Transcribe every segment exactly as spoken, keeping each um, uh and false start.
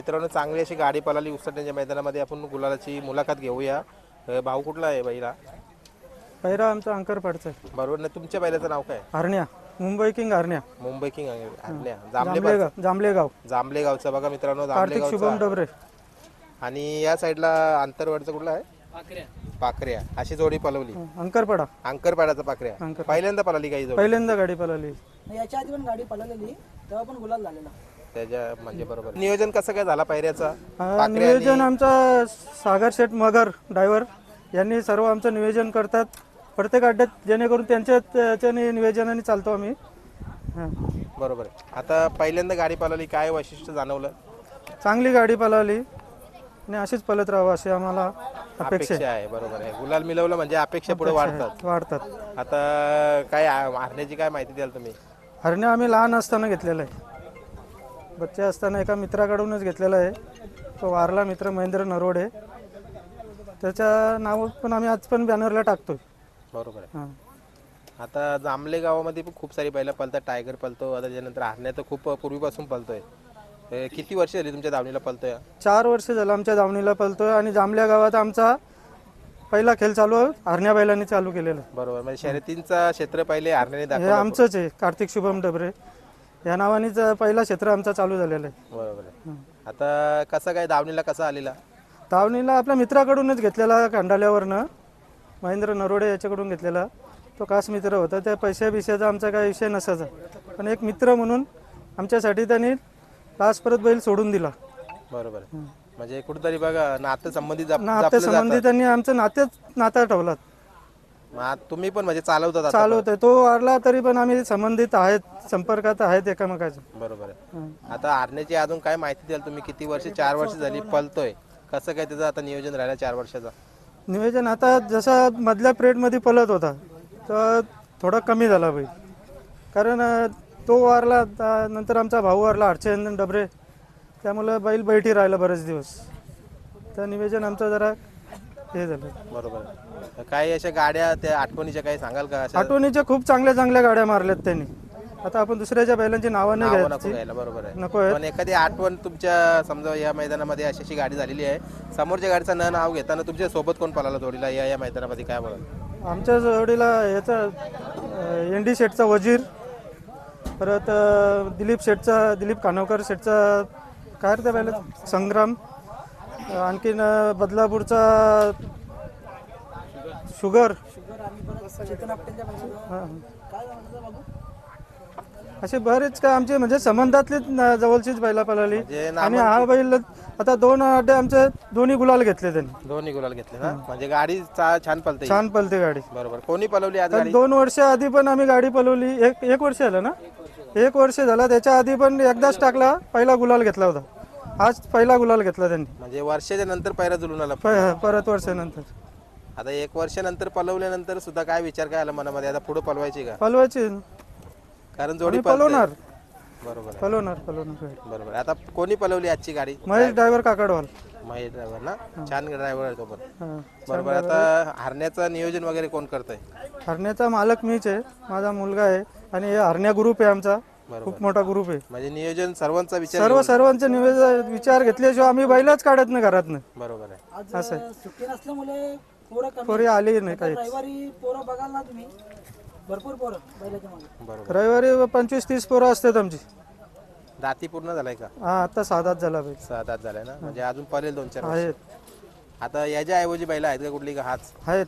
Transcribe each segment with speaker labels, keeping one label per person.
Speaker 1: मित्रांनो चांगली अशी गाडी पळाली उसटण्याच्या मैदानामध्ये आपण गुलालाची मुलाखत घेऊया. अ, भाऊ कुठला आहे बैला?
Speaker 2: पहिरा आमचा अंकरपाडचा आहे.
Speaker 1: बरोबर ना. तुमच्या बैलाचं नाव काय?
Speaker 2: हरण्या, मुंबई किंग हरण्या,
Speaker 1: मुंबई किंग हरण्या.
Speaker 2: जांभलेगाव जांभलेगाव
Speaker 1: जांभलेगावचा बघा मित्रांनो,
Speaker 2: कार्तिक शुभम
Speaker 1: जांभलेगावचा.
Speaker 2: डबरे.
Speaker 1: आणि या साईडला अंतरवडचा कुठला आहे? पाखऱ्या. पाखऱ्या अशी जोडी पळवली.
Speaker 2: अंकरपाडा
Speaker 1: अंकरपाड्याचा पाखऱ्या
Speaker 2: अंकर.
Speaker 1: पहिल्यांदा पळाली काही जोडी?
Speaker 2: पहिल्यांदा गाडी पळाली.
Speaker 3: याच्या आधी पण गाडी पळवलेली तेव्हा पण गुलाल झालेला.
Speaker 1: त्याच्या म्हणजे बरोबर. नियोजन कसं काय झाला पायऱ्याचा?
Speaker 2: हा, नियोजन आमचा सागर शेठ मगर ड्रायव्हर यांनी सर्व आमचं नियोजन करतात प्रत्येक अड्ड्यात, जेणेकरून त्यांच्या त्याच्याने नियोजनाने चालतो आम्ही. हा.
Speaker 1: बरोबर आहे. आता पहिल्यांदा गाडी पळवली, काय वैशिष्ट्य जाणवलं?
Speaker 2: चांगली गाडी पळाली आणि अशीच पळत राहावं अशी आम्हाला अपेक्षा
Speaker 1: अपेक्षा आहे. बरोबर आहे. गुलाल मिळवलं म्हणजे अपेक्षा पुढे वाढतात.
Speaker 2: वाढतात.
Speaker 1: आता काय हरण्याची काय माहिती द्याल तुम्ही?
Speaker 2: हरण्या आम्ही लहान असताना घेतलेला आहे. बच्चे असताना एका मित्राकडूनच घेतलेला आहे. तो वारला मित्र महेंद्र नरोडे, त्याच्या नाव पण आम्ही आज पण बॅनरला टाकतोय.
Speaker 1: बरोबर आहे.
Speaker 2: हां.
Speaker 1: आता जांभले गावामध्ये पण खूप सारी बैलं पळतात. टायगर पळतो, आता त्याच्यानंतर हरण्या तर खूप पूर्वीपासून पळतोय. अ, किती वर्ष झाली तुमच्या दावणीला पळतोय?
Speaker 2: चार वर्ष झालं आमच्या दावणीला पळतोय आणि जांभल्या गावात आमचा पहिला खेळ चालू आहे, हरण्या बैलांनी चालू केलेला आहे.
Speaker 1: बरोबर. म्हणजे शर्यतींचा क्षेत्र पहिले हरण्याने
Speaker 2: हे
Speaker 1: दाखवलं.
Speaker 2: आमचंच आहे, कार्तिक शुभम डबरे या नावानेच पहिला क्षेत्र आमचा चालू झालेला आहे.
Speaker 1: बरोबर आहे. आता कसं काय दावणीला कसा आलेला?
Speaker 2: दावणीला आपल्या मित्राकडूनच घेतलेला, खंडाल्यावरनं महेंद्र नरोडे याच्याकडून घेतलेला. तो खास मित्र होता, त्या पैशा बिशाचा आमचा काही विषय नसायचा, पण एक मित्र म्हणून आमच्यासाठी त्यांनी लास्ट परत बैल सोडून दिला.
Speaker 1: बरोबर आहे. म्हणजे कुठेतरी बघा नातं संबंधित जप-
Speaker 2: नाते
Speaker 1: जपलं जातं.
Speaker 2: संबंधी त्यांनी आमचं नातेच नाता ठेवला.
Speaker 1: मग आता तुम्ही पण म्हणजे चालवतात आता
Speaker 2: चालू होते, तो वारला तरी पण आम्ही संबंधित आहेत, संपर्कात आहेत एकमेकाच्या.
Speaker 1: पण. बरोबर आहे. आता हरण्याची अजून काय माहिती द्याल तुम्ही? किती वर्ष? चार वर्ष झाली पळतोय. कसं काय त्याचं आता नियोजन राहिलं चार वर्षाचा?
Speaker 2: नियोजन आता जसा मधल्या पिरियडमध्ये पळत होता तर थोडा कमी झाला बैल, कारण अं, तो वारला, त्या- नंतर आमचा भाऊ वारला हर्षचंदन डबरे, त्यामुळं बैल बैठी राहिला बरेच दिवस. तर नियोजन आमचं जरा हे झालं.
Speaker 1: बरोबर आहे. काही अशा गाड्या त्या आठवणीच्या काही सांगाल का? अशा
Speaker 2: आठवणीच्या खूप चांगल्या चांगल्या गाड्या मारल्यात त्यांनी. आता आपण दुसऱ्याच्या बैलांची नावं नाही
Speaker 1: नावं नको
Speaker 2: घ्यायची,
Speaker 1: घ्यायला. बरोबर आहे.
Speaker 2: नको आहे.
Speaker 1: पण एखादी आठवण तुमच्या समजा या मैदानामध्ये अशी अशी गाडी झालेली आहे, समोरच्या गाडीचं न नाव घेताना तुमच्या सोबत कोण पळाला जोडीला या या मैदानामध्ये, काय बोला?
Speaker 2: आमच्या जोडीला याचा एन डी शेटचा वजीर, परत अं, दिलीप शेटचा दिलीप कानवकर शेटचा काय रे त्या बैला संग्राम, अं, आणखीन अं, बदलापूरचा शुगर,
Speaker 3: चेतन आपटेंच्या बाजूला
Speaker 2: हां.
Speaker 3: काय म्हणतात बाबू?
Speaker 2: असे बरेच काय आमचे म्हणजे संबंधातलीच न- जवळचीच बैला पळाली.
Speaker 1: म्हणजे
Speaker 2: आणि हा बैल आता दोन अड्डे आमचे दोन्ही गुलाल घेतले त्यांनी.
Speaker 1: दोन्ही गुलाल घेतले ना, म्हणजे गाडी चा- छान पळते.
Speaker 2: छान पळते गाडी.
Speaker 1: बरोबर. कोणी पळवली आज
Speaker 2: तर
Speaker 1: गाडी?
Speaker 2: दोन वर्ष आधी पण आम्ही गाडी पळवली. एक एक वर्ष झालं ना, एक वर्ष झाला. त्याच्या आधी पण एकदाच टाकला, पहिला गुलाल घेतला होता. आज पहिला गुलाल घेतला त्यांनी,
Speaker 1: म्हणजे वर्षाच्या नंतर पैरा जुळून आला.
Speaker 2: प- परत वर्षानंतर.
Speaker 1: आता एक वर्षानंतर पळवल्यानंतर सुद्धा काय विचार काय आला मनामध्ये, आता पुढे पळवायची का?
Speaker 2: पळवायची,
Speaker 1: कारण जोडी
Speaker 2: आम्ही पळवणार
Speaker 1: पळते. बरोबर आहे.
Speaker 2: पळवणार पळवणार गाडी.
Speaker 1: बरोबर आहे. आता कोणी पळवली आजची गाडी?
Speaker 2: महेश ड्रायव्हर काकडवाल.
Speaker 1: महेश ड्रायव्हर ना, छान ड्रायव्हर आहे तो पण.
Speaker 2: हां.
Speaker 1: बरोबर. आता हरण्याचं नियोजन वगैरे कोण करतंय?
Speaker 2: हरण्याचा मालक मीच आहे, माझा मुलगा आहे, आणि हे हरण्या ग्रुप आहे आमचा, खूप मोठा ग्रुप आहे.
Speaker 1: म्हणजे नियोजन सर्वांचा विचार
Speaker 2: सर्व
Speaker 1: घेऊन-
Speaker 2: सर्वांचे निवेदन विचार घेतल्याशिवाय आम्ही बैलच काढत नाही घरातनं.
Speaker 1: बरोबर आहे.
Speaker 3: आज
Speaker 2: असं आहे.
Speaker 3: सुट्टी नसल्यामुळे पोरं कमी.
Speaker 2: पोरी आली नाही काही.
Speaker 3: रविवारी पोरं बघाल ना तुम्ही, भरपूर पोरं बैलाच्या मागे.
Speaker 1: बरोबर.
Speaker 2: रविवारी पंचवीस तीस पोरं असतात आमची.
Speaker 1: दाती पूर्ण झालाय का?
Speaker 2: हा, आता साधाच झाला बैल.
Speaker 1: सात आठ झालाय ना, म्हणजे अजून पळेल दोन चार वर्ष.
Speaker 2: आहेत
Speaker 1: आता याच्या ऐवजी बैला आहेत का कुठली का? हाच
Speaker 2: आहेत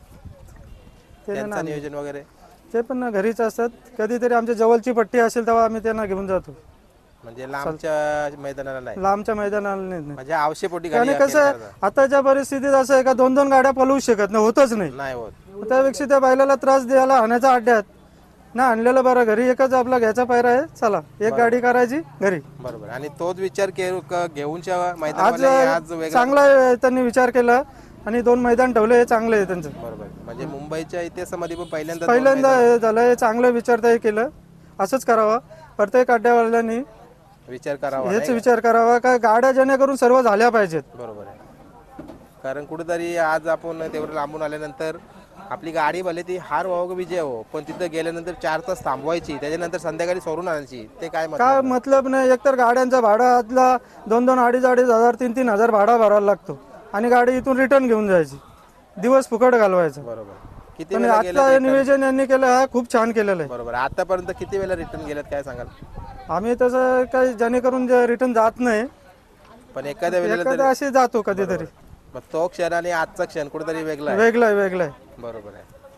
Speaker 2: ते
Speaker 1: त्यांचं
Speaker 2: ना,
Speaker 1: नियोजन वगैरे?
Speaker 2: ते पण ना घरीच असतात. कधीतरी आमच्या जवळची पट्टी असेल तेव्हा आम्ही त्यांना घेऊन जातो.
Speaker 1: म्हणजे लांबच्या मैदानाला नाही,
Speaker 2: लांबच्या मैदानाला नाही.
Speaker 1: म्हणजे आवश्यकपोटी गाडी
Speaker 2: आणि कसं आहे, आताच्या परिस्थितीत असं आहे का दोन दोन गाड्या पळवू शकत नाही, होतच नाही.
Speaker 1: नाही होत.
Speaker 2: त्यापेक्षा त्या बैलाला त्रास द्यायला हाण्याचा अड्ड्यात ना आणलेलं बरं. घरी एकच आपला घ्यायचा पायरा आहे, चला एक गाडी करायची घरी.
Speaker 1: बरोबर. आणि तोच विचार के- क- घेऊनच्या
Speaker 2: आज
Speaker 1: मैदानामध्ये आज वेगळा.
Speaker 2: चांगला आहे, त्यांनी विचार केला आणि दोन मैदान ठेवले, हे चांगलं आहे त्यांचं.
Speaker 1: बरोबर. म्हणजे मुंबईच्या इतिहासामध्ये पण पहिल्यांदा दोन
Speaker 2: पहिल्यांदा हे झालं, हे चांगलं विचारताही केलं. असंच करावं प्रत्येक अड्ड्यावाल्यांनी,
Speaker 1: मैदान विचार करावा.
Speaker 2: हेच विचार करावा का गाड्या जेणेकरून सर्व झाल्या पाहिजेत.
Speaker 1: बरोबर आहे. कारण कुठेतरी आज आपण तेवढं लांबून आल्यानंतर आपली गाडी भले ती हार व्हावं का विजय हो, पण तिथं गेल्यानंतर चार तास थांबवायची, त्याच्यानंतर संध्याकाळी सोडून आणायची, ते काय मतलब?
Speaker 2: काय मतलब नाही. एकतर गाड्यांचा भाडा आतला दोन दोन अडीच अडीच हजार तीन तीन हजार भाडा भरायला लागतो आणि गाडी इथून रिटर्न घेऊन जायची, दिवस फुकट घालवायचा.
Speaker 1: बरोबर. किती
Speaker 2: पण
Speaker 1: वेळा गेलं
Speaker 2: आता नियोजन यांनी केलं हा खूप छान केलेलं आहे.
Speaker 1: बरोबर. आतापर्यंत किती वेळा रिटर्न गेलात काय सांगाल?
Speaker 2: आम्ही तसं काही जेणेकरून रिटर्न जात नाही,
Speaker 1: पण एखाद्या वेळेला
Speaker 2: एखादा असे जातो कधीतरी.
Speaker 1: मग तो क्षण आणि आजचा क्षण कुठेतरी वेगळा आहे.
Speaker 2: वेगळं आहे वेगळं आहे.
Speaker 1: बरोबर आहे.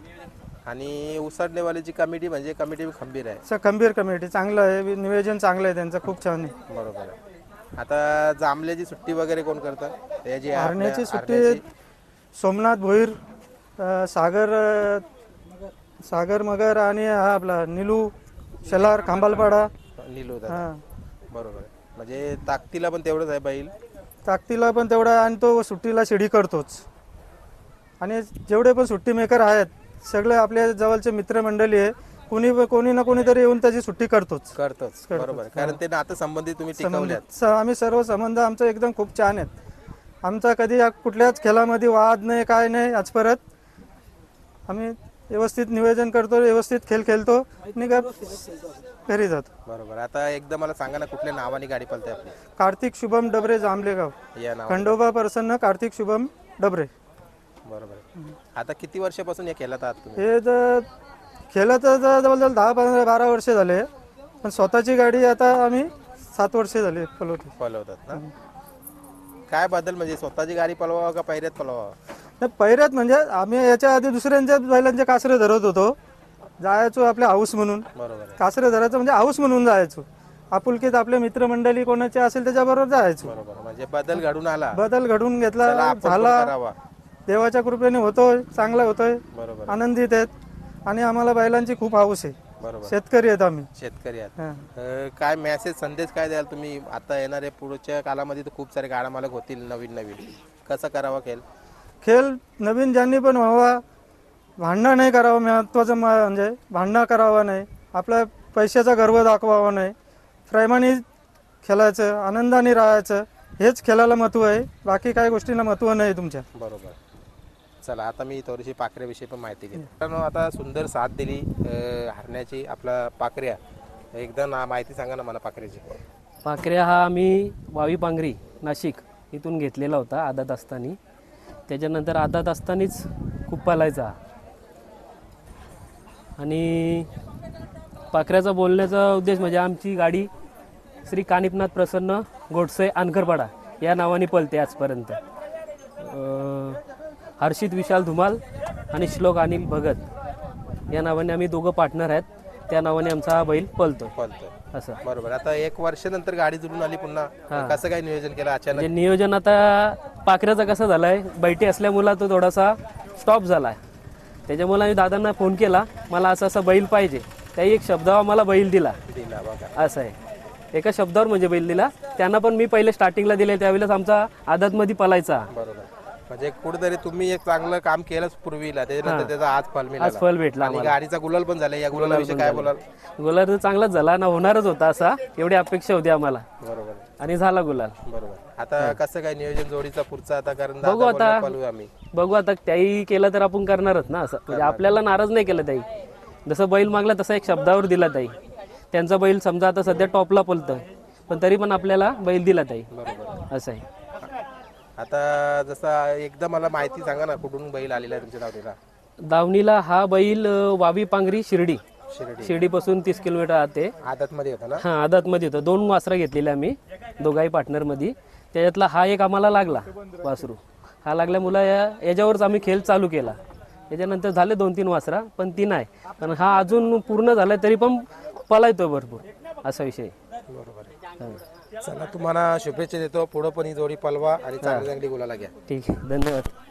Speaker 1: आणि उसडणेवालीची कमिटी म्हणजे कमिटी खंबीर आहे.
Speaker 2: असं खंबीर कमिटी चांगलं आहे, नियोजन चांगलं आहे त्यांचं, खूप छान आहे.
Speaker 1: बरोबर आहे. आता जांभल्याची सुट्टी वगैरे कोण करतं? त्याची आपल्या-
Speaker 2: हरण्याची सुट्टी
Speaker 1: हरण्याची?
Speaker 2: सोमनाथ भोईर, अ, सागर अ, सागर मगर आणि हा आपला निलू शेलार खांबालपाडा.
Speaker 1: नीलू दादा.
Speaker 2: हा
Speaker 1: बरोबर आहे. म्हणजे ताकदीला पण तेवढंच आहे बैल.
Speaker 2: ताकदीला पण तेवढा आहे आणि तो सुट्टीला शिडी करतोच. आणि जेवढे पण सुट्टी मेकर आहेत सगळे आपल्या जवळचे मित्रमंडळी आहे, कोणी कोणी ना कोणीतरी येऊन त्याची सुट्टी करतोच.
Speaker 1: करतोच. बरोबर आहे. कारण ते नातं संबंधित तुम्ही टिकवल्यात.
Speaker 2: स- आम्ही सर्व संबंध आमचा एकदम खूप छान आहेत. आमचा कधी या कुठल्याच खेळामध्ये वाद नाही, काय नाही. आज परत आम्ही व्यवस्थित नियोजन करतो, व्यवस्थित खेळ खेळतो आणि ग- घरी जातो.
Speaker 1: बरोबर. आता एकदा मला सांगा ना, कुठल्या नावाने गाडी पळते आपली?
Speaker 2: कार्तिक शुभम डबरे, जांभलेगाव.
Speaker 1: या नाव.
Speaker 2: खंडोबा प्रसन्न कार्तिक शुभम डबरे.
Speaker 1: बरोबर आहे. आता किती वर्षापासून हे खेळत आहात तुम्ही?
Speaker 2: हे तर खेळत तर जवळजवळ दहा पंधरा बारा वर्षे झाले, पण स्वतःची गाडी आता आम्ही सात वर्षे झाली पळवतो.
Speaker 1: पळवतात ना? काय बदल म्हणजे स्वतःची गाडी पळवावं का पहिऱ्यात पळवावं?
Speaker 2: नाही, पहिऱ्यात म्हणजे आम्ही याच्या आधी दुसऱ्यांच्या बैलांचे कासरे धरत होतो, जायचो आपल्या हाऊस म्हणून.
Speaker 1: बरोबर आहे.
Speaker 2: कासरे धरायचं म्हणजे हाऊस म्हणून जायचो. आपुलकीत आपले मित्रमंडळी कोणाचे असेल त्याच्याबरोबर जायचो.
Speaker 1: बरोबर. म्हणजे बदल घडून आला.
Speaker 2: बदल घडून
Speaker 1: चला
Speaker 2: घेतला,
Speaker 1: आपण पण
Speaker 2: झाला.
Speaker 1: करावा.
Speaker 2: देवाच्या कृपेने होतोय, चांगला होतोय,
Speaker 1: बरोबर.
Speaker 2: आनंदित आहेत आणि आम्हाला बैलांची खूप हाऊस आहे.
Speaker 1: बरोबर.
Speaker 2: शेतकरी आहेत आम्ही.
Speaker 1: शेतकरी आहात.
Speaker 2: हा.
Speaker 1: अं, काय मेसेज संदेश काय द्याल तुम्ही? आता येणाऱ्या पुढच्या कालामध्ये तर खूप सारे गाडा मालक होतील नवीन नवीन, कसं करावा खेळ?
Speaker 2: खेळ नवीन ज्यांनी पण व्हावा, भांडणं नाही करावं. महत्त्वाचं म- म्हणजे भांडणं करावं नाही, आपल्या पैशाचा गर्व दाखवावा नाही, प्रेमाने खेळायचं, आनंदाने राहायचं, हेच खेळाला महत्त्व आहे. बाकी काही गोष्टींना महत्त्व नाही तुमच्या.
Speaker 1: बरोबर. चला आता मी थोडीशी पाखऱ्याविषयी पण माहिती घेतो. कारण आता सुंदर साथ दिली अं, हरण्याची आपला पाखऱ्या. एकदा ना माहिती सांगा ना मला पाखऱ्याची.
Speaker 4: पाखऱ्या हा आम्ही वावी पांगरी नाशिक इथून घेतलेला होता आदात असताना. त्याच्यानंतर आदात असतानाच खूप पालायचा. आणि पाखऱ्याचा बोलण्याचा उद्देश म्हणजे आमची गाडी श्री कानिपनाथ प्रसन्न गोडसे आनकरपाडा या नावाने पळते आजपर्यंत. अं, हर्षित विशाल धुमाल आणि श्लोक अनिल भगत या नावाने आम्ही दोघं पार्टनर आहेत. त्या नावाने आमचा हा बैल पळतो
Speaker 1: पळतोय.
Speaker 4: असं.
Speaker 1: बरोबर. आता एक वर्षानंतर गाडी जुळून आली पुन्हा, कसं काय नियोजन केलं अचानक?
Speaker 4: म्हणजे नियोजन आता पाखऱ्याचा कसं झालाय, बैठी असल्यामुळे तो थोडासा स्टॉप झालाय. त्याच्यामुळे आम्ही दादांना फोन केला, मला असं असं बैल पाहिजे. त्याही एक शब्दावर मला बैल दिला.
Speaker 1: दिला बघा.
Speaker 4: असं आहे, एका शब्दावर म्हणजे बैल दिला. त्यांना पण मी पहिले स्टार्टिंगला दिले, त्यावेळेस आमचा आदतमध्ये पलायचा.
Speaker 1: बरोबर. म्हणजे कुठेतरी तुम्ही एक चांगलं काम केलंच पूर्वीला, त्याच्यानंतर त्याचा आज फल
Speaker 4: आज
Speaker 1: मिळाला.
Speaker 4: फल भेटला
Speaker 1: आणि
Speaker 4: आम्हाला.
Speaker 1: गाडीचा गुलाल पण झाला. या गुलालाविषयी काय बोलाल?
Speaker 4: गुलाल तर चांगलाच झाला ना, होणारच होता असा, एवढी अपेक्षा होती आम्हाला
Speaker 1: बरोबर.
Speaker 4: आणि झाला गुलाल.
Speaker 1: बरोबर. आता कसं काय नियोजन जोडीचा पुढचा? आता कारण
Speaker 4: बघू
Speaker 1: दादा
Speaker 4: आता.
Speaker 1: बोलले, पळवू आम्ही.
Speaker 4: बघू आता, त्याही केलं तर आपण करणारच ना. असं म्हणजे आपल्याला नाराज नाही केलं ताई. जसं बैल मागला तसा एक शब्दावर दिला ताई. त्यांचा बैल समजा आता सध्या टॉपला पळतोय, पण तरी पण आपल्याला बैल दिला ताई.
Speaker 1: बरोबर.
Speaker 4: असं आहे.
Speaker 1: आता जसा एकदा मला माहिती सांगा ना, कुठून बैल आलेला आहे तुमच्या दावणीला?
Speaker 4: दावणीला हा बैल अं, वावी पांगरी शिर्डी
Speaker 1: शिर्डी.
Speaker 4: शिर्डीपासून तीस किलोमीटर आते.
Speaker 1: आदत मध्ये होता ना?
Speaker 4: हा आदातमध्ये होतं. दोन वासरा घेतलेले आम्ही दोघाही पार्टनरमध्ये. त्याच्यातला हा एक आम्हाला लागला वासरू. हा लागल्यामुळं या याच्यावरच आम्ही खेळ चालू केला. त्याच्यानंतर झाले दोन तीन वासरा, पण ती नाही. पण हा अजून पूर्ण झाला तरी पण पलायतो भरपूर, असा विषय.
Speaker 1: बरोबर आहे.
Speaker 4: हा.
Speaker 1: चला तुम्हाला शुभेच्छा देतो. पुढं पण ही जोडी पलवा आणि चांगली चांगली गुलाला घ्या.
Speaker 4: ठीक आहे, धन्यवाद.